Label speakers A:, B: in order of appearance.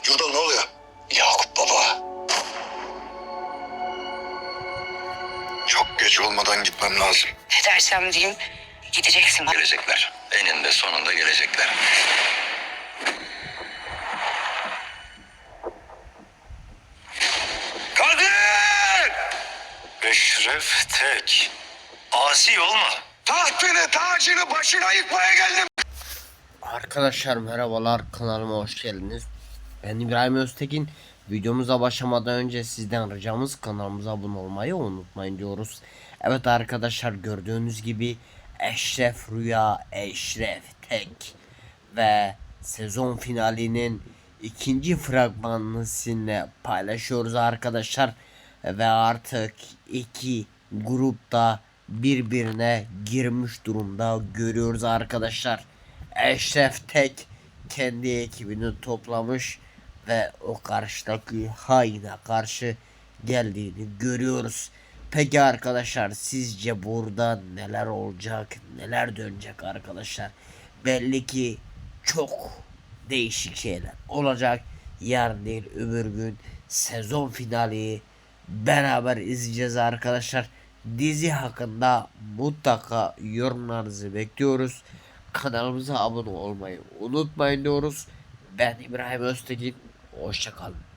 A: Yurda ne oluyor? Yakup baba. Çok geç olmadan gitmem lazım.
B: Ne dersem diyeyim gideceksin.
A: Gelecekler. Eninde sonunda gelecekler. Kadir! Eşref Tek. Asi olma. Tahtını, tacını başına yıkmaya geldim.
C: Arkadaşlar merhabalar, kanalıma hoş geldiniz. Ben İbrahim Öztekin. Videomuza başlamadan önce sizden ricamız kanalımıza abone olmayı unutmayın diyoruz. Evet arkadaşlar, gördüğünüz gibi Eşref Rüya, Eşref Tek ve sezon finalinin ikinci fragmanını sizinle paylaşıyoruz arkadaşlar. Ve artık iki grupta birbirine girmiş durumda görüyoruz arkadaşlar. Eşref Tek kendi ekibini toplamış ve o karşıdaki haine karşı geldiğini görüyoruz. Peki arkadaşlar, sizce burada neler olacak, neler dönecek arkadaşlar? Belli ki çok değişik şeyler olacak. Yarın değil öbür gün sezon finali beraber izleyeceğiz arkadaşlar. Dizi hakkında mutlaka yorumlarınızı bekliyoruz. Kanalımıza abone olmayı unutmayın diyoruz. Ben İbrahim Öztekin. Hoşça kalın.